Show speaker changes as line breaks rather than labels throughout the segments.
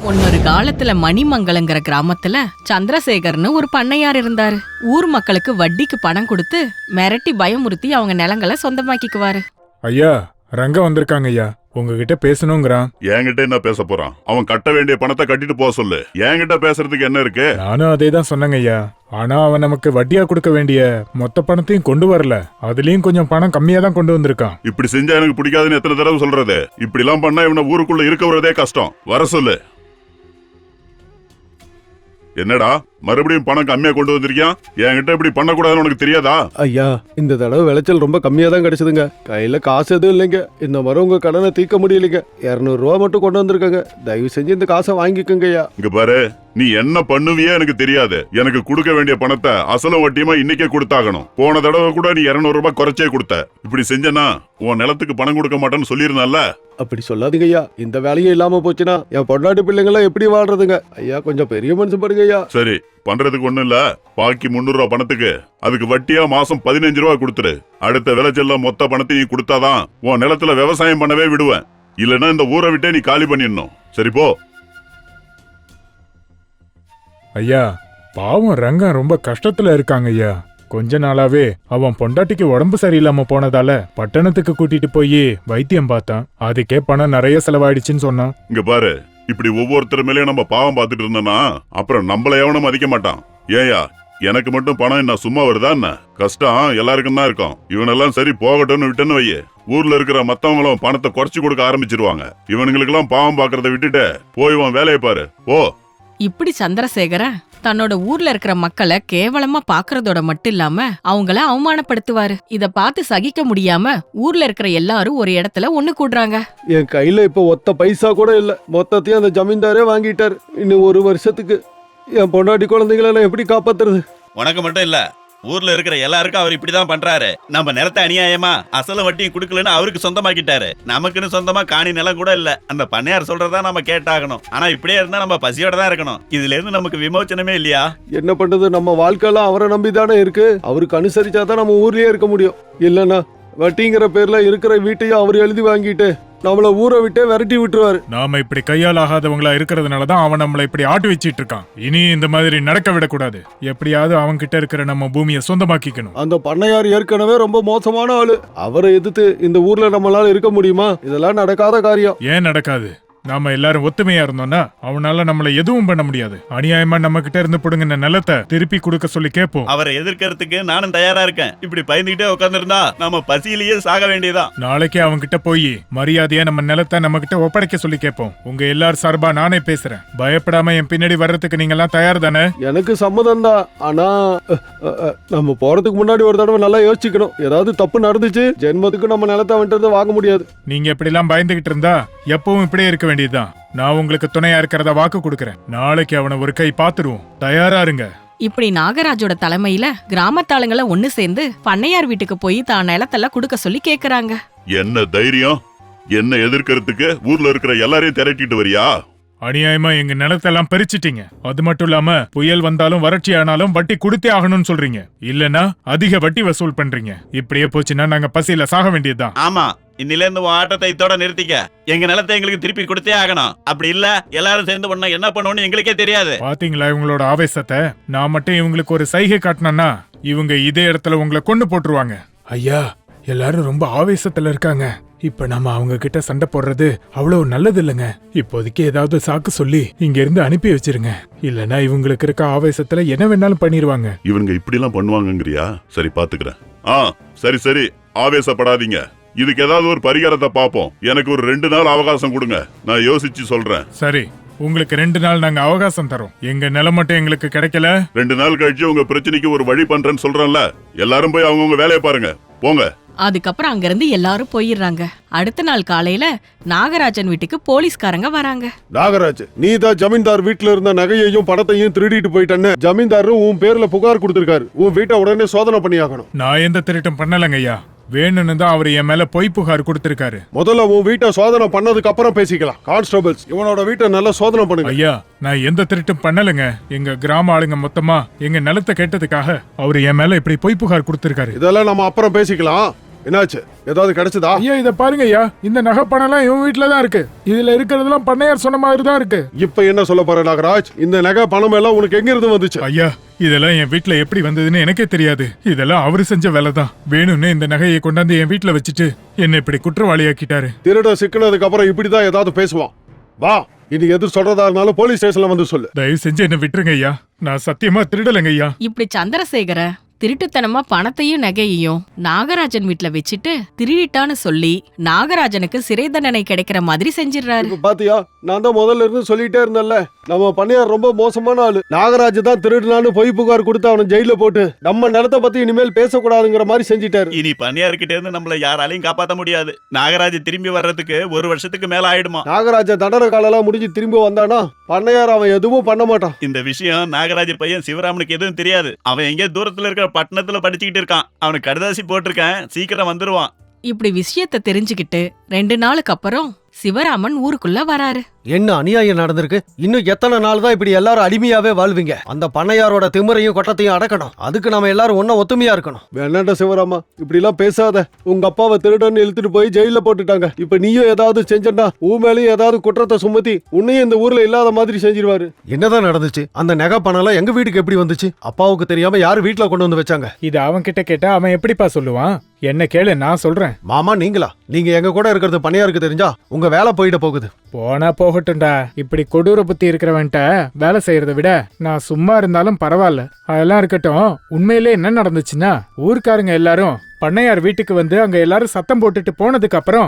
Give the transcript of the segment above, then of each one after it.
முன்னொரு காலத்துல மணிமங்கலங்கிற கிராமத்துல சந்திரசேகர்னு ஒரு பண்ணையார் இருந்தாரு. ஊர் மக்களுக்கு வட்டிக்கு பணம் கொடுத்து மிரட்டி பயமுறுத்தி அவங்க நிலங்களை சொந்தமாக்கிக்குவாரு.
ஐயா, ரங்க வந்திருக்காங்க ஐயா, உங்ககிட்ட பேசணுங்கிறான்.
என்கிட்ட என்ன பேச போறான்? அவன் கட்ட வேண்டிய பணத்தை கட்டிட்டு போக சொல்லு. என்கிட்ட பேசுறதுக்கு என்ன இருக்கு?
நானும் அதே தான் சொன்னேங்க ஐயா. ஆனா அவன் நமக்கு வட்டியா கொடுக்க வேண்டிய மொத்த பணத்தையும் கொண்டு வரல. அதுலயும் கொஞ்சம் பணம் கம்மியா தான் கொண்டு வந்திருக்கான்.
இப்படி செஞ்சா எனக்கு பிடிக்காதுன்னு எத்தனை தடவை சொல்றது? இப்படி எல்லாம் பண்ணா இவனை ஊருக்குள்ள இருக்க வரதே கஷ்டம். வர சொல்லு. என்னடா மறுபடியும் பணம் கம்மியா கொண்டு வந்திருக்கியான்? என்கிட்ட இப்படி பண்ணக்கூடாதுன்னு உனக்கு தெரியாதா?
ஐயா, இந்த தடவை விளைச்சல் ரொம்ப கம்மியா தான் கிடைச்சதுங்க. கையில காசு எதுவும் இல்லைங்க. இந்த மாதிரி உங்க கடனை தீர்க்க முடியலைங்க. 200 ரூபா மட்டும் கொண்டு வந்திருக்காங்க. தயவு செஞ்சு இந்த காசை வாங்கிக்கோங்க ஐயா.
இங்க பாரு, நீ என்ன பண்ணுவியே எனக்கு தெரியாது. எனக்கு கொடுக்க வேண்டிய பணத்தை அசலும் வட்டியுமா இன்னைக்கே கொடுத்தாகணும். போன தடவை கூட நீ 200 ரூபாய் குறைச்சே கொடுத்த. இப்படி செஞ்சனா உன் நிலத்துக்கு பணம் கொடுக்க மாட்டேன்னு சொல்லியிருந்தால.
அப்படி சொல்லாதீங்க ஐயா. இந்த வேலையும் இல்லாம போச்சுன்னா என் பொண்டாட்டி பிள்ளைங்களாம் எப்படி வாழ்றதுங்க? ஐயா, கொஞ்சம் பெரிய மனுஷன் பாருங்க ஐயா.
சரி, பண்றதுக்கு ஒண்ணும் இல்ல. பாக்கி 300 ரூபாய் பணத்துக்கு அதுக்கு வட்டியா மாசம் 15 ரூபாய் கொடுத்துரு. அடுத்த விளைச்சல்ல மொத்த பணத்தையும் கொடுத்தாதான் உன் நிலத்துல விவசாயம் பண்ணவே விடுவேன். இல்லன்னா இந்த ஊரை விட்டே நீ காலி பண்ணிடணும். சரி போ.
ஐயா, பாவம் ரங்கம் ரொம்ப கஷ்டத்துல இருக்காங்க ஐயா. கொஞ்ச நாளாவே அவன் பொண்டாட்டிக்கு உடம்பு சரியில்லாம போனதால பட்டணத்துக்கு கூட்டிட்டு போய் வைத்தியம் பார்த்தான். அதுக்கே பணம் நிறைய செலவாயிடுச்சுன்னு சொன்னான்.
இங்க பாரு, இப்படி ஒவ்வொருத்தர் மேலயும் நம்ம பாவம் பார்த்துட்டு இருந்தோம்னா அப்புறம் நம்மள எவனும் மதிக்க மாட்டான். ஏயா, எனக்கு மட்டும் பணம் என்ன சும்மா வருதா என்ன? கஷ்டம் எல்லாருக்கும் தான் இருக்கும். இவனெல்லாம் சரி போகட்டும்னு விட்டுன்னு வையே, ஊர்ல இருக்கிற மத்தவங்களும் பணத்தை குறைச்சு கொடுக்க ஆரம்பிச்சிருவாங்க. இவனுங்களுக்கு எல்லாம் பாவம் பாக்குறத விட்டுட்டு போய் இவன் வேலையை பாரு போ.
இப்படி சந்திரசேகர தன்னோட ஊர்ல இருக்கிற மக்களை கேவலமா பாக்குறதோட மட்டும் இல்லாம அவங்கள அவமானப்படுத்துவாரு. இத பார்த்து சகிக்க முடியாம ஊர்ல இருக்கிற எல்லாரும் ஒரு இடத்துல ஒண்ணு கூடுறாங்க.
என் கையில இப்ப ஒத்த பைசா கூட இல்ல. மொத்தத்தையும் அந்த ஜமீன்தாரே வாங்கிட்டாரு. இன்னும் 1 வருஷத்துக்கு என் பொண்டாட்டி குழந்தைகளை நான் எப்படி காப்பாத்துறது?
உனக்கு மட்டும் இல்ல, ஊர்ல இருக்கிற எல்லாருக்கும் அவர் இப்படிதான் பண்றாரு. நம்ம நிலத்தை அநியாயமா அசல வட்டியும் குடுக்கலன்னு அவருக்கு சொந்தமாக்கிட்டாரு. நமக்குன்னு சொந்தமா காணி நிலம் கூட இல்ல. அந்த பண்ணையார் சொல்றதா நம்ம கேட்டாகணும். ஆனா இப்படியே இருந்தா நம்ம பசியோட தான் இருக்கணும். இதுல இருந்து நமக்கு விமோச்சனமே இல்லையா?
என்ன பண்றது? நம்ம வாழ்க்கையெல்லாம் அவரை நம்பிதானே இருக்கு. அவருக்கு அனுசரிச்சாதான் நம்ம ஊர்லயே இருக்க முடியும். இல்லன்னா வட்டிங்கிற பேர்ல இருக்கிற வீட்டையும் அவர் எழுதி வாங்கிட்டு நம்மள ஊரை விட்டே விரட்டி விட்டுருவாரு.
நாம இப்படி கையால் ஆகாதவங்களா இருக்கிறதுனாலதான் அவன் நம்மளை இப்படி ஆட்டு வச்சிட்டு இருக்கான். இனி இந்த மாதிரி நடக்க விடக்கூடாது. எப்படியாவது அவன் கிட்ட இருக்கிற நம்ம பூமியை சொந்தமாக்கிக்கணும்.
அந்த பண்ணையார் ஏற்கனவே ரொம்ப மோசமான ஆளு. அவரை எதிர்த்து இந்த ஊர்ல நம்மளால இருக்க முடியுமா? இதெல்லாம் நடக்காத காரியம்.
ஏன் நடக்காது? நாம எல்லாரும் ஒத்துமையா இருந்தோம்னா அவனால நம்மள எதுவும் பண்ண முடியாது. அநியாயமா நம்ம கிட்ட இருந்து புடுங்கின நிலத்தை திருப்பி கொடுக்க சொல்லி கேட்போம்.
அவரை எதிர்க்கிறதுக்கு நானும் தயாரா இருக்கேன். இப்படி பயந்துகிட்டே உட்கார்ந்துருந்தா நம்ம பசியிலேயே சாக வேண்டியதான்.
நாளைக்கே அவங்க கிட்ட போய் மரியாதையா நம்ம நிலத்தை நம்ம கிட்ட ஒப்படைக்க சொல்லி கேட்போம். உங்க எல்லாரும் சார்பா நானே பேசுறேன். பயப்படாம என் பின்னாடி வர்றதுக்கு நீங்க எல்லாம் தயார் தானே?
எனக்கு சம்மதம் தான். ஆனா நம்ம போறதுக்கு முன்னாடி ஒரு தடவை நல்லா யோசிச்சுக்கணும். ஏதாவது தப்பு நடந்துச்சு ஜென்மத்துக்கு நம்ம நிலத்தை வந்துட்டு வாங்க முடியாது.
நீங்க இப்படி எல்லாம் பயந்துகிட்டு இருந்தா எப்பவும் இப்படியே இருக்க வேண்டியதுதான். நான் உங்களுக்கு துணையா இருக்கிறத வாக்கு கொடுக்கறேன். நாளைக்கு அவனை ஒரு கை பாத்துருவோம். தயாரா இருங்க.
இப்படி நாகராஜோட தலைமையில கிராமத்தாளுங்களை ஒண்ணு சேர்ந்து பண்ணையார் வீட்டுக்கு போய் தான் நிலத்தெல்லாம் கொடுக்க சொல்லி கேக்குறாங்க.
என்ன தைரியம்? என்ன எதிர்க்கிறதுக்கு ஊர்ல இருக்கிற எல்லாரையும் திரட்டிட்டு வரியா?
அநியாயமா எங்க நிலத்தெல்லாம் பறிச்சிட்டீங்க. அது மட்டும் இல்லாம புயல் வந்தாலும் வறட்சி ஆனாலும் வட்டி கொடுத்தே ஆகணும்னு சொல்றீங்க. இல்லனா அதிக வட்டி வசூல் பண்றீங்க. இப்படியே போச்சுன்னா நாங்க பசியில சாக வேண்டியதுதான்.
ஆமா, இன்னில இருந்து உன் ஆட்டத்தை இதோட நிறுத்திக்க. எங்க நிலத்தை எங்களுக்கு திருப்பி கொடுத்தே ஆகணும். அப்படி இல்ல எல்லாரும் சேர்ந்து பண்ண என்ன பண்ணுவோம்னு எங்களுக்கே தெரியாது.
பாத்தீங்களா இவங்களோட ஆவேசத்தை? நான் மட்டும் இவங்களுக்கு ஒரு சைகை காட்டினா இவங்க இதே இடத்துல உங்களை கொண்டு போட்டுருவாங்க. ஐயா, எல்லாரும் ரொம்ப ஆவேசத்துல இருக்காங்க. இப்ப நம்ம அவங்க கிட்ட சண்டை போடுறது அவ்வளவு நல்லது இல்லைங்க. இப்போதைக்கு ஏதாவது சாக்கு சொல்லி இங்க இருந்து அனுப்பி வச்சிருங்க. இல்லனா இவங்களுக்கு இருக்க ஆவேசத்துல என்ன வேணாலும் பண்ணிருவாங்க.
இவங்க இப்படி எல்லாம் பண்ணுவாங்கங்கறியா? சரி பாத்துக்கிறேன். சரி சரி, ஆவேசப்படாதீங்க. இதுக்கு ஏதாவது ஒரு பரிகாரத்தை பாப்போம். எனக்கு ஒரு 2 நாள் அவகாசம் கொடுங்க, நான் யோசிச்சு சொல்றேன்.
சரி, உங்களுக்கு 2 நாள் நாங்க அவகாசம் தரோம். எங்க நிலம் மட்டும் எங்களுக்கு கிடைக்கல.
2 நாள் கழிச்சு உங்க பிரச்சனைக்கு ஒரு வழி பண்றேன்னு சொல்றேன்ல. எல்லாரும் போய் அவங்கவுங்க வேலையை பாருங்க, போங்க.
அதுக்கப்புறம் அங்கிருந்து எல்லாரும் போயிடுறாங்க. அடுத்த நாள் காலையில நாகராஜன் வீட்டுக்கு போலீஸ்காரங்க வராங்க.
நாகராஜ், நீ தான் ஜமீன்தார் வீட்டுல இருந்த நகையையும் பணத்தையும் திருடிட்டு போயிட்டன்னு ஜமீன்தாரும் உன் பேர்ல புகார் கொடுத்திருக்காரு. உன் வீட்டை உடனே சோதனை பண்ணியாகணும்.
நான் எந்த திருட்டும் பண்ணலங்க ஐயா. வேணும்னு தான் அவர் என் மேல பொய் புகார் கொடுத்திருக்காரு.
முதல்ல உன் வீட்டை சோதனை பண்ணதுக்கு அப்புறம் பேசிக்கலாம். கான்ஸ்டபிள்ஸ், இவனோட வீட்டை நல்லா சோதனை பண்ணுங்க.
ஐயா, நான் எந்த திருட்டும் பண்ணலங்க. எங்க கிராம ஆளுங்க மொத்தமா எங்க நிலத்தை கேட்டதுக்காக அவர் என் மேல இப்படி பொய் புகார் கொடுத்திருக்காரு.
இதெல்லாம் நம்ம அப்புறம் பேசிக்கலாம். என்னாச்சு? ஏதாவது கிடைச்சதா?
ஐயா இத பாருங்க ஐயா, இந்த நகை பணம் எல்லாம் இவன் வீட்டுல தான் இருக்கு. இதுல இருக்கிறதெல்லாம் பண்ணையார் சொன்ன மாதிரி தான் இருக்கு.
இப்ப என்ன சொல்ல போற நாகராஜ்? இந்த நகை பணம் எல்லாம் உனக்கு எங்க இருந்து வந்துச்சு?
ஐயா இதெல்லாம் என் வீட்டுல எப்படி வந்ததுன்னு எனக்கே தெரியாது. இதெல்லாம் அவரு செஞ்ச வேலை தான். வேணும்னு இந்த நகையை கொண்டாந்து என் வீட்டுல வச்சுட்டு என்ன இப்படி குற்றவாளியாக்கிட்டாரு.
திருட சிக்கினதுக்கு அப்புறம் இப்படிதான் ஏதாவது பேசுவான். வா, இனி எது சொல்றதா இருந்தாலும் போலீஸ் ஸ்டேஷன்ல வந்து சொல்லு.
தயவு செஞ்சு என்ன விட்டுருங்க ஐயா, நான் சத்தியமா திருடலைங்க ஐயா.
இப்படி சந்திரசேகர திருட்டுத்தனமா பணத்தையும் நகையையும் நாகராஜன் வீட்ல வச்சுட்டு திருடிட்டான்னு சொல்லி நாகராஜனுக்கு சிறை தண்டனை கிடைக்கிற மாதிரி செஞ்சிடறாரு.
இப்ப பாத்தியா, நான் தான் முதல்ல இருந்து சொல்லிட்டே இருந்தேன்ல, நம்ம பண்ணையார் ரொம்ப மோசமான ஆளு. நாகராஜ் தான் திருடுனான்னு பொய் புகார் கொடுத்து அவனை ஜெயில போட்டு நம்ம நிலத்தை பத்தி இனிமேல் பேசக்கூடாதுங்கிற மாதிரி செஞ்சிட்டாரு.
இனி பண்ணையார்கிட்ட இருந்து நம்மள யாராலையும் காப்பாத்த முடியாது. நாகராஜ் திரும்பி வர்றதுக்கு 1 வருஷத்துக்கு மேல ஆயிடுமா.
நாகராஜ தண்டனை காலெல்லாம் முடிஞ்சு திரும்பி வந்தானா பண்ணையார் அவன் எதுவும் பண்ண மாட்டான்.
இந்த விஷயம் நாகராஜ் பையன் சிவராமனுக்கு எதுவும் தெரியாது. அவன் எங்கே தூரத்துல இருக்கிற பட்டணத்துல படிச்சுக்கிட்டு இருக்கான். அவனுக்கு கடுதாசி போட்டிருக்கேன், சீக்கிரம் வந்துருவான்.
இப்படி விஷயத்த தெரிஞ்சுக்கிட்டு 2 நாளுக்கு அப்புறம் சிவராமன் ஊருக்குள்ள வராரு.
என்ன அநியாயம் நடந்திருக்கு? இன்னும் எத்தனை நாள் தான் இப்படி எல்லாரும் அடிமையாவே வாழ்வீங்க? அந்த பண்ணையாரோட திமிரையும் கொட்டத்தையும் அடக்கணும். அதுக்கு நாம எல்லாரும் ஒன்னும் ஒத்துமையா இருக்கணும்.
வேணாண்டா சிவராமா, இப்படி எல்லாம் பேசாத. உங்க அப்பாவை திருடன்னு இழுத்துட்டு போய் ஜெயில போட்டுட்டாங்க. இப்ப நீயும் ஏதாவது செஞ்சா ஊ மேலேயும் ஏதாவது குற்றத்தை சுமத்தி உன்னையும் இந்த ஊர்ல இல்லாத மாதிரி செஞ்சிருவாரு.
என்னதான் நடந்துச்சு? அந்த நகை பணம் எங்க வீட்டுக்கு எப்படி வந்துச்சு? அப்பாவுக்கு தெரியாம யாரு வீட்டுல கொண்டு வந்து வச்சாங்க?
இது அவன் கிட்ட கேட்டா அவன் எப்படிப்பா சொல்லுவான்? என்ன கேளு, நான் சொல்றேன்.
மாமா நீங்களா? நீங்க எங்க கூட இருக்கிறது பண்ணையாருக்கு தெரிஞ்சா உங்க வேலை போயிட போகுது.
போனா போகட்டும்டா. இப்படி கொடூர புத்தி இருக்கிறவன்ட்ட வேலை செய்யறத விட நான் சும்மா இருந்தாலும் பரவாயில்ல. அதெல்லாம் இருக்கட்டும், உண்மையிலே என்ன நடந்துச்சுன்னா, ஊர்க்காரங்க எல்லாரும் பண்ணையார் வீட்டுக்கு வந்து அங்க எல்லாரும் சத்தம் போட்டுட்டு போனதுக்கு அப்புறம்,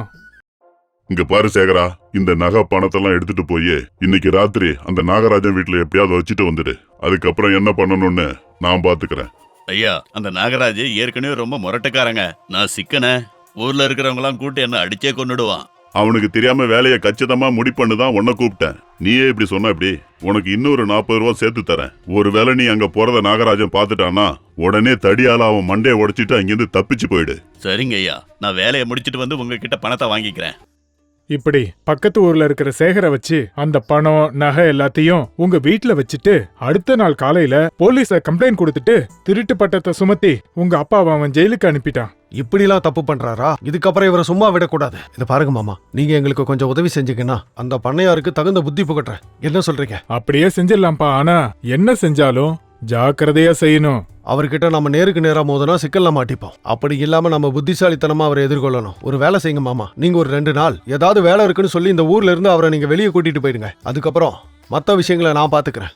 இங்க பாரு சேகரா, இந்த நகை பணத்தெல்லாம் எடுத்துட்டு போய் இன்னைக்கு ராத்திரி அந்த நாகராஜன் வீட்டுல எப்படியாவது வச்சுட்டு வந்துடு. அதுக்கப்புறம் என்ன பண்ணணும்னு நான் பாத்துக்கிறேன்.
ஐயா, அந்த நாகராஜ் ஏற்கனவே ரொம்ப முரட்டுக்காரங்க. நான் சிக்கன ஊர்ல இருக்கிறவங்க எல்லாம் கூட்டு என்ன அடிச்சே கொன்னுடுவான்.
அவனுக்கு தெரியாம வேலையை கச்சிதமா முடிப்பண்ணு தான் உன்னை கூப்பிட்டேன். நீயே இப்படி சொன்ன எப்படி? உனக்கு இன்னொரு 40 ரூபா சேர்த்து தரேன். ஒருவேளை நீ அங்க போறத நாகராஜன் பாத்துட்டானா உடனே தடியால அவன் மண்டையை உடைச்சிட்டு அங்கிருந்து தப்பிச்சு போயிடு.
சரிங்க ஐயா, நான் வேலையை முடிச்சிட்டு வந்து உங்ககிட்ட பணத்தை வாங்கிக்கிறேன்.
இப்படி பக்கத்து ஊர்ல இருக்கிற சேகரை வச்சு அந்த பணம் நகை எல்லாத்தையும் உங்க வீட்டுல வச்சுட்டு அடுத்த நாள் காலையில போலீஸ கம்ப்ளைண்ட் கொடுத்துட்டு திருட்டு பட்டத்தை சுமத்தி உங்க அப்பாவை அவன் ஜெயிலுக்கு அனுப்பிட்டான்.
இப்படிலாம் தப்பு பண்றாரா? இதுக்கப்புறம் இவரை சும்மா விடக்கூடாது. இதை பாருங்க மாமா, நீங்க எங்களுக்கு கொஞ்சம் உதவி செஞ்சீங்கன்னா அந்த பண்ணையாருக்கு தகுந்த புத்தி புகட்டுறேன். என்ன சொல்றீங்க?
அப்படியே செஞ்சிடலாம்ப்பா. ஆனா என்ன செஞ்சாலும் ஜாக்கிரதையா செய்யணும்.
அவர்கிட்ட நம்ம நேருக்கு நேரா மோதனா சிக்கல்ல மாட்டிப்போம். அப்படி இல்லாம நம்ம புத்திசாலித்தனமா அவரை எதிர்கொள்ளணும். ஒரு வேலை செய்யுங்க மாமா, நீங்க ஒரு 2 நாள் ஏதாவது வேலை இருக்குன்னு சொல்லி இந்த ஊர்ல இருந்து அவரை நீங்க வெளியே கூட்டிட்டு போயிடுங்க. அதுக்கப்புறம் மத்த விஷயங்களை நான் பாத்துக்கிறேன்.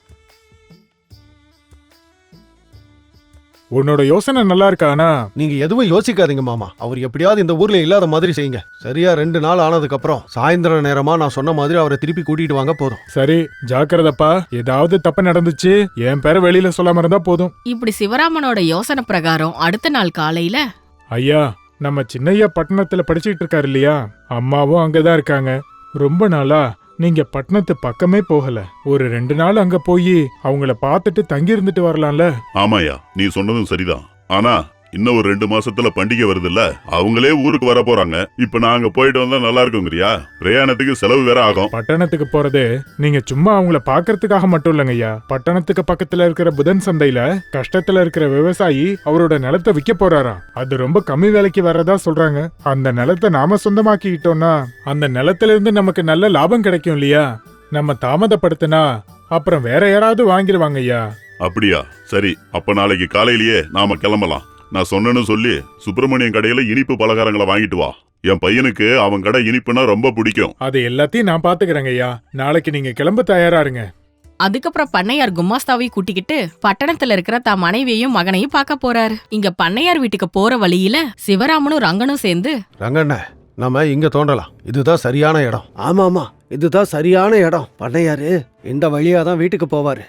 உன்னோட யோசனை நல்லா இருக்கா? ஆனா
நீங்க எதுவும் யோசிக்காதீங்க மாமா, அவர் எப்படியாவது இந்த ஊர்ல இல்லாத மாதிரி செய்யுங்க. சரியா 2 நாள் ஆனதுக்கு அப்புறம் சாயந்தர நேரமா நான் சொன்ன மாதிரி அவரை திருப்பி கூட்டிட்டு வாங்க போதும்.
சரி, ஜாக்கிரதப்பா. ஏதாவது தப்பு நடந்துச்சு என் பேரை வெளியில சொல்லாம இருந்தா போதும்.
இப்படி சிவராமனோட யோசனை பிரகாரம் அடுத்த நாள் காலையில,
ஐயா, நம்ம சின்னையா பட்டணத்துல படிச்சுட்டு இருக்காரு இல்லையா, அம்மாவும் அங்கதான் இருக்காங்க. ரொம்ப நாளா நீங்க பட்டணத்து பக்கமே போகல. ஒரு 2 நாள் அங்க போய் அவங்கள பார்த்துட்டு தங்கி இருந்துட்டு வரலாம்ல?
ஆமாயா, நீ சொன்னதும் சரிதான். ஆனா இன்னும் ஒரு 2 மாசத்துல பண்டிகை வருதுல்ல, அவங்களே ஊருக்கு வர போறாங்க. இப்ப நான் அங்க போயிட்டு வந்தா நல்லா இருக்குங்கிறியா? பிரயாணத்துக்கு செலவு வேற ஆகும்.
பட்டணத்துக்கு போறது நீங்க சும்மா அவங்கள பாக்குறதுக்காக மட்டும் இல்லைங்க ஐயா. பட்டணத்துக்கு பக்கத்துல இருக்கிற புதன் சந்தையில கஷ்டத்துல இருக்கிற விவசாயி அவரோட நிலத்தை விற்க போறாராம். அது ரொம்ப கம்மி விலைக்கு வர்றதா சொல்றாங்க. அந்த நிலத்தை நாம சொந்தமாக்கிட்டோம்னா அந்த நிலத்துல இருந்து நமக்கு நல்ல லாபம் கிடைக்கும் இல்லையா? நம்ம தாமதப்படுத்தினா அப்புறம் வேற யாராவது வாங்கிடுவாங்க ஐயா.
அப்படியா? சரி, அப்ப நாளைக்கு காலையிலேயே நாம கிளம்பலாம். நான் சொன்னேன்னு சொல்லி சுப்பிரமணியன் கடையில இனிப்பு பலகாரங்களை வாங்கிட்டு வா. என் பையனுக்கு அவன் கடை இனிப்புனா ரொம்ப பிடிக்கும்.
அது எல்லாத்தையும் நான் பாத்துக்கிறேங்க ஐயா. நாளைக்கு நீங்க கிளம்ப தயாரா இருங்க.
அதுக்கப்புறம் பண்ணையார் குமாஸ்தாவையும் கூட்டிக்கிட்டு பட்டணத்துல இருக்கிற தான் மனைவியையும் மகனையும் பார்க்க போறாரு. இங்க பண்ணையார் வீட்டுக்கு போற வழியில சிவராமனும் ரங்கனும் சேர்ந்து,
ரங்கண்ண, நம்ம இங்க தோண்டலாம். இதுதான் சரியான இடம்.
ஆமா ஆமா, இதுதான் சரியான இடம். பண்ணையாரு இந்த வழியா தான் வீட்டுக்கு போவாரு.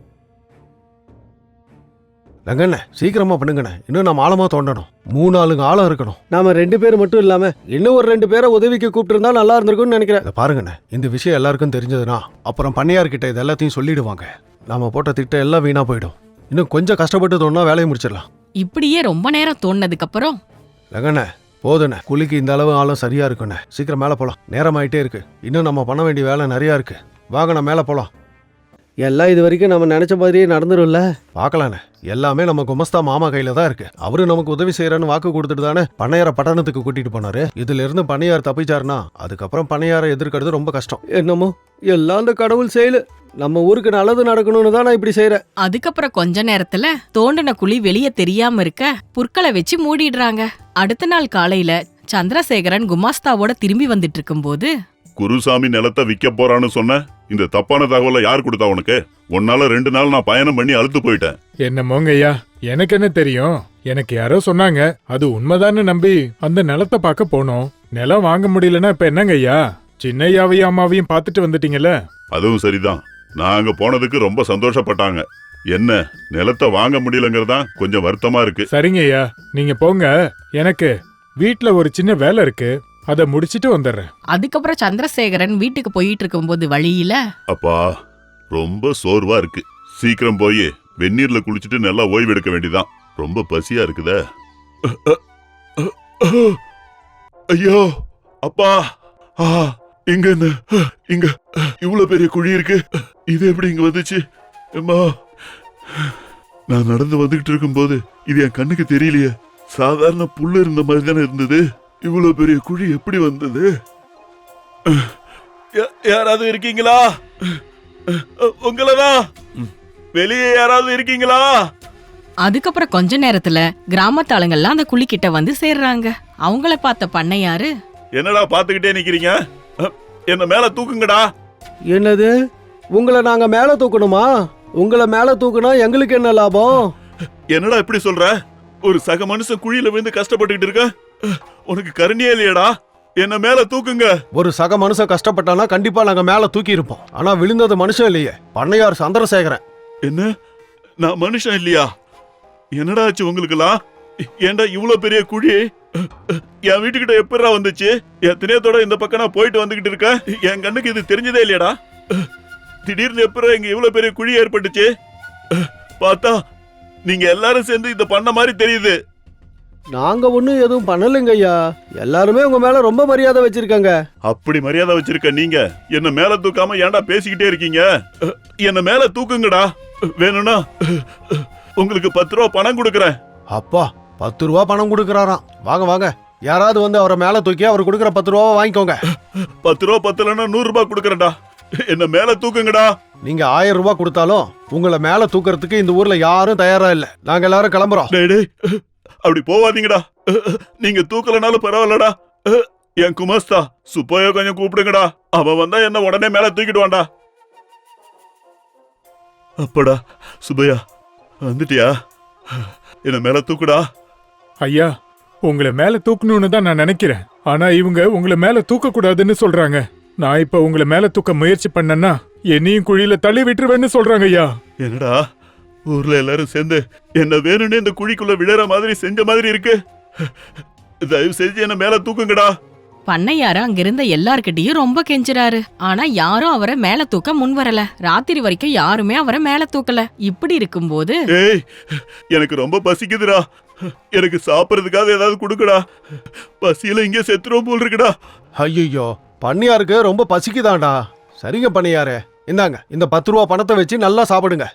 ரங்கண்ண, சீக்கிரமா பண்ணுங்கண்ணே. இன்னும் நம்ம ஆழமா தோண்டணும். 3-4 ஆழம் இருக்கணும்.
நாம 2 பேர் மட்டும் இல்லாம இன்னும் ஒரு 2 பேரை உதவிக்கு கூப்பிட்டு இருந்தா நல்லா இருந்திருக்கும்னு நினைக்கிறேன்.
இதை பாருங்கண்ணே, இந்த விஷயம் எல்லாருக்கும் தெரிஞ்சதுன்னா அப்புறம் பண்ணையார்கிட்ட இது எல்லாத்தையும் சொல்லிடுவாங்க. நாம போட்ட திட்டம் எல்லாம் வீணா போயிடும். இன்னும் கொஞ்சம் கஷ்டப்பட்டு தோணுனா வேலையை முடிச்சிடலாம்.
இப்படியே ரொம்ப நேரம் தோண்டினதுக்கு அப்புறம்,
ரங்கண்ண போதுண்ணே, குழிக்கு இந்த அளவு ஆழம் சரியா இருக்குண்ணே. சீக்கிரம் மேல போலாம். நேரம் ஆயிட்டே இருக்கு. இன்னும் நம்ம பண்ண வேண்டிய வேலை நிறைய இருக்கு. வாங்க, நான் மேல போலாம்.
எல்லாம் இது வரைக்கும் நம்ம நினைச்ச மாதிரியே நடந்துரும்ல.
பார்க்கலானே, எல்லாமே நம்ம குமஸ்தா மாமா கையில தான் இருக்கு. அவரு நமக்கு உதவி செய்யறன்னு வாக்கு கொடுத்துட்டு தானே பண்ணையார பட்டணத்துக்கு கூட்டிட்டு போனாரு. இதுல இருந்து பண்ணையார் தப்பிச்சாருன்னா அதுக்கப்புறம் பண்ணையார எதிர்க்கிறது ரொம்ப கஷ்டம்.
என்னமோ எல்லாம் அந்த கடவுள் செயலு. நம்ம ஊருக்கு நல்லது நடக்கணும்னு தான் நான் இப்படி செய்யறேன்.
அதுக்கப்புறம் கொஞ்ச நேரத்துல தோண்டின குழி வெளியே தெரியாம இருக்க புற்களை வச்சு மூடிடுறாங்க. அடுத்த நாள் காலையில சந்திரசேகரன் குமாஸ்தாவோட திரும்பி வந்துட்டு இருக்கும்போது,
குருசாமி நிலத்தை விற்க போறான்னு சொன்ன இந்த தப்பான தகவலை யார் கொடுத்தா உனக்கு? உன்னால 2 நாள் நான் பயணம் பண்ணி அழுத்து போயிட்டேன்.
என்னமோங்க ஐயா, எனக்கு என்ன தெரியும்? எனக்கு யாரோ சொன்னாங்க, அது உண்மைதான்னு நம்பி அந்த நிலத்தை பார்க்க போனோம். நிலம் வாங்க முடியலன்னா இப்ப என்னங்க ஐயா? சின்னையாவையும் அம்மாவையும் பார்த்துட்டு வந்துட்டீங்கல்ல.
அதுவும் சரிதான். நான் அங்க போனதுக்கு ரொம்ப சந்தோஷப்பட்டாங்க. என்ன நிலத்தை வாங்க முடியலங்கிறதா கொஞ்சம் வருத்தமா இருக்கு.
சரிங்க ஐயா, நீங்க போங்க. எனக்கு வீட்ல ஒரு சின்ன வேலை இருக்கு, அதை முடிச்சிட்டு வந்துடுறேன்.
அதுக்கப்புறம் சந்திரசேகரன் வீட்டுக்கு போயிட்டு இருக்கும்போது வழியில,
அப்பா ரொம்ப சோர்வா இருக்கு. சீக்கிரம் போய் வெந்நீர்ல குளிச்சுட்டு நல்லா ஓய்வு எடுக்க வேண்டியதான். ரொம்ப பசியா இருக்குதே. ஐயோ அப்பா, இங்க என்ன, இங்க இவ்வளவு பெரிய குழி இருக்கு. இது எப்படி இங்க வந்துச்சு? அம்மா, நான் நடந்து வந்துகிட்டு இருக்கும்போது இது என் கண்ணுக்கு தெரியலையே. சாதாரண புல்லு இருந்த மாதிரி தானே இருந்தது. இவ்வளவு பெரிய குழி எப்படி வந்தது? யாராவது இருக்கீங்களா? உங்களதான் வெளியே யாராவது இருக்கீங்களா?
அதுக்கப்புறம் கொஞ்ச நேரத்துல கிராமத்து ஆளுங்கெல்லாம் அந்த குழிக்கிட்ட வந்து சேர்றாங்க. அவங்கள பார்த்த பண்ணையாரு,
என்னடா பாத்துக்கிட்டே நிக்கிறீங்க? என்ன மேல தூக்குங்கடா.
என்னது, உங்களை நாங்க மேல தூக்கணுமா? உங்களை மேல தூக்குனா எங்களுக்கு என்ன லாபம்?
என்னடா இப்படி சொல்ற? ஒரு சக மனுஷன் குழியில விழுந்து கஷ்டப்பட்டுக்கிட்டு இருக்க. உனக்கு கருணையே இல்லையடா? என்ன மேல தூக்குங்க.
ஒரு சக மனுஷன் கஷ்டப்பட்டானா கண்டிப்பா நாங்க மேல தூக்கி இருப்போம். ஆனா விழுந்தது மனுஷன் இல்லையே, பண்ணையார் சந்திரசேகரன்.
என்ன, நான் மனுஷன் இல்லையா? என்னடா ஆச்சு உங்களுக்குலாம்? ஏன்டா இவ்வளவு பெரிய குழி என் வீட்டுக்கிட்ட எப்படா வந்துச்சு? என் திணையத்தோட இந்த பக்கம் நான் போயிட்டு வந்துகிட்டு இருக்கேன். என் கண்ணுக்கு இது தெரிஞ்சதே இல்லையாடா? திடீர்னு எப்படா இங்க இவ்வளவு பெரிய குழி ஏற்பட்டுச்சு? பார்த்தா நீங்க எல்லாரும் சேர்ந்து இத பண்ண மாதிரி தெரியுது.
நாங்க ஒண்ணும் எதுவும் பண்ணலைங்க ஐயா. எல்லாருமே உங்க மேல ரொம்ப மரியாதை வச்சிருக்காங்க.
அப்படி மரியாதை வச்சிருக்க நீங்க என்ன மேல தூக்காம ஏன்டா பேசிக்கிட்டே இருக்கீங்க? என்ன மேல தூக்குங்கடா. வேணும்னா உங்களுக்கு 10 ரூபா பணம் கொடுக்கறேன்.
அப்பா 10 ரூபா பணம் கொடுக்கறாராம். வாங்க வாங்க, யாராவது வந்து அவரை மேல தூக்கி அவர் கொடுக்கற 10 ரூபாவை வாங்கிக்கோங்க.
10 ரூபா பத்தலன்னா 100 ரூபாய் கொடுக்கறேன்டா. என்ன மேல தூக்குங்கடா.
நீங்க 1000 ரூபாய் கொடுத்தாலும் உங்களை மேல தூக்கறதுக்கு இந்த ஊர்ல யாரும் தயாரா இல்ல. நாங்க எல்லாரும் கிளம்புறோம்.
டேய் டேய், அப்படி போவாதீங்கடா. நீங்க தூக்கலனாலும் பரவாயில்லடா. என் குமாஸ்தா சுப்பையோ கொஞ்சம் கூப்பிடுங்கடா. அவன் வந்தா என்ன உடனே மேல தூக்கிடுவான்டா. அப்படா சுப்பையா வந்துட்டியா? என்ன மேல தூக்குடா.
ஐயா, உங்களை மேல தூக்கணும்னு தான் நான் நினைக்கிறேன். ஆனா இவங்க உங்களை மேல தூக்க கூடாதுன்னு சொல்றாங்க. நான் இப்ப உங்களை மேல தூக்க முயற்சி பண்ணேன்னா என்னையும் குழியில தள்ளி விட்டுருவேன்னு சொல்றாங்க ஐயா.
என்னடா ஊர்ல எல்லாரும் சேர்ந்து என்ன வேணும்னே இந்த குழிக்குள்ள விழற மாதிரி செஞ்ச மாதிரி இருக்கு. தயவு செஞ்சு என்ன மேல தூக்குங்கடா.
பண்ணையாரு அங்கிருந்த எல்லார்கிட்டயும் ரொம்ப கெஞ்சுறாரு. ஆனா யாரும் அவரை மேல தூக்க முன் வரல. ராத்திரி வரைக்கும் யாருமே அவரை மேல தூக்கல. இப்படி இருக்கும்போது,
ஏய், எனக்கு ரொம்ப பசிக்குதுடா. எனக்கு சாப்பிடறதுக்காக ஏதாவது கொடுக்கடா. பசியில இங்கே செத்துரும் போல் இருக்குடா.
ஐயோ, பண்ணையாருக்கு ரொம்ப பசிக்குதாண்டா. சரிங்க பண்ணையாரே, இந்தாங்க இந்த 10 ரூபா பணத்தை வச்சு நல்லா சாப்பிடுங்க.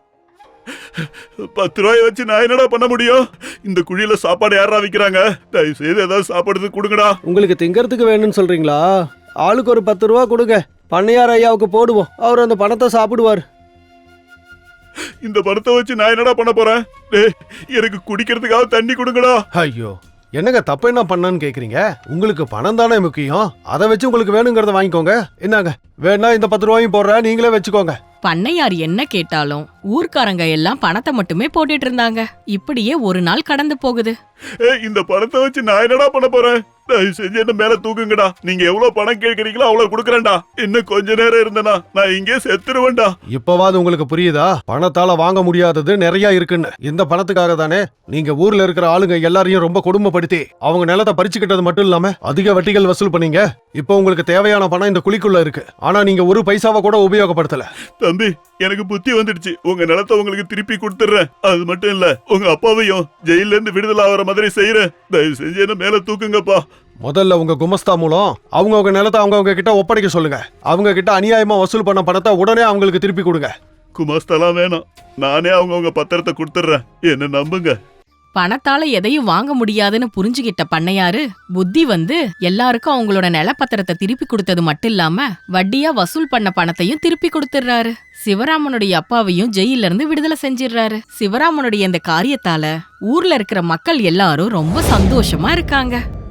10 ரூபாய் வச்சு நான் என்னடா பண்ண முடியும்? இந்த குழியில சாப்பாடு யாரா விக்கிறாங்க? தயவு செய்து ஏதாவது சாப்பிடுறதுக்கு கொடுங்கடா.
உங்களுக்கு திங்கறதுக்கு வேணும்னு சொல்றீங்களா? ஆளுக்கு ஒரு 10 ரூபா கொடுங்க. பண்ணையார் ஐயாவுக்கு போடுவோம். அவர் அந்த பணத்தை சாப்பிடுவார்.
இந்த பணத்தை வச்சு நான் என்னடா பண்ண போறேன்? டேய், எனக்கு குடிக்கிறதுக்காக தண்ணி கொடுங்கடா.
ஐயோ, என்னங்க தப்பு என்ன பண்ணான்னு கேக்குறீங்க? உங்களுக்கு பணம் தானே முக்கியம். அதை வச்சு உங்களுக்கு வேணுங்கிறத வாங்கிக்கோங்க. என்னங்க, வேணா இந்த 10 ரூபாயும் போடுறேன், நீங்களே வச்சுக்கோங்க.
பண்ணையார் என்ன கேட்டாலும் ஊர்க்காரங்க எல்லாம் பணத்தை மட்டுமே போட்டுட்டு இருந்தாங்க. இப்படியே ஒரு நாள் கடந்து போகுது.
இந்த பணத்தை வச்சு நான் என்னடா பண்ண போறேன்? தயவு செஞ்சு என்ன மேல தூக்குங்கடா. நீங்க எவ்வளவு பணம் கேட்கறீங்களோ அவ்வளவு கொடுக்கறேன்டா. இன்னும் கொஞ்ச நேரம் இருந்தனா நான் இங்கே செத்துருவேன்டா.
இப்பவாது உங்களுக்கு புரியுதா? பணத்தால வாங்க முடியாதது நிறைய இருக்குன்னு. இந்த பணத்துக்காக தானே நீங்க ஊர்ல இருக்கிற ஆளுங்க எல்லாரையும் ரொம்ப கொடுமைப்படுத்தி அவங்க நிலத்தை பறிச்சுக்கிட்டது மட்டும் இல்லாம அதிக வட்டிகள் வசூல் பண்ணீங்க. இப்போ உங்களுக்கு தேவையான பணம் இந்த குழிக்குள்ள இருக்கு. ஆனா நீங்க ஒரு பைசாவை கூட உபயோகப்படுத்தல.
தம்பி, எனக்கு புத்தி வந்துடுச்சு. உங்க நிலத்தை உங்களுக்கு திருப்பி கொடுத்துறேன். அது மட்டும் இல்ல, உங்க அப்பாவையும் ஜெயில இருந்து விடுதலை ஆகிற மாதிரி செய்யறேன். தயவு செஞ்சு என்ன மேல தூக்குங்கப்பா.
முதல்ல உங்க குமஸ்தா மூலம் அவங்க நிலத்தை அவங்க கிட்ட ஒப்படைக்க சொல்லுங்க. அவங்க கிட்ட அநியாயமா வசூல் பண்ண பணத்தை உடனே அவங்களுக்கு திருப்பி கொடுங்க.
குமாஸ்தெல்லாம் வேணாம், நானே அவங்கவங்க பத்திரத்தை கொடுத்துட்றேன், என்ன நம்புங்க.
பணத்தால எதையும் வாங்க முடியாதுன்னு புரிஞ்சுகிட்ட பண்ணையாரு புத்தி வந்து எல்லாருக்கும் அவங்களோட நிலப்பத்திரத்தை திருப்பி கொடுத்தது மட்டும் இல்லாம வட்டியா வசூல் பண்ண பணத்தையும் திருப்பி கொடுத்துடுறாரு. சிவராமனுடைய அப்பாவையும் ஜெயில இருந்து விடுதலை செஞ்சிடுறாரு. சிவராமனுடைய இந்த காரியத்தால ஊர்ல இருக்கிற மக்கள் எல்லாரும் ரொம்ப சந்தோஷமா இருக்காங்க.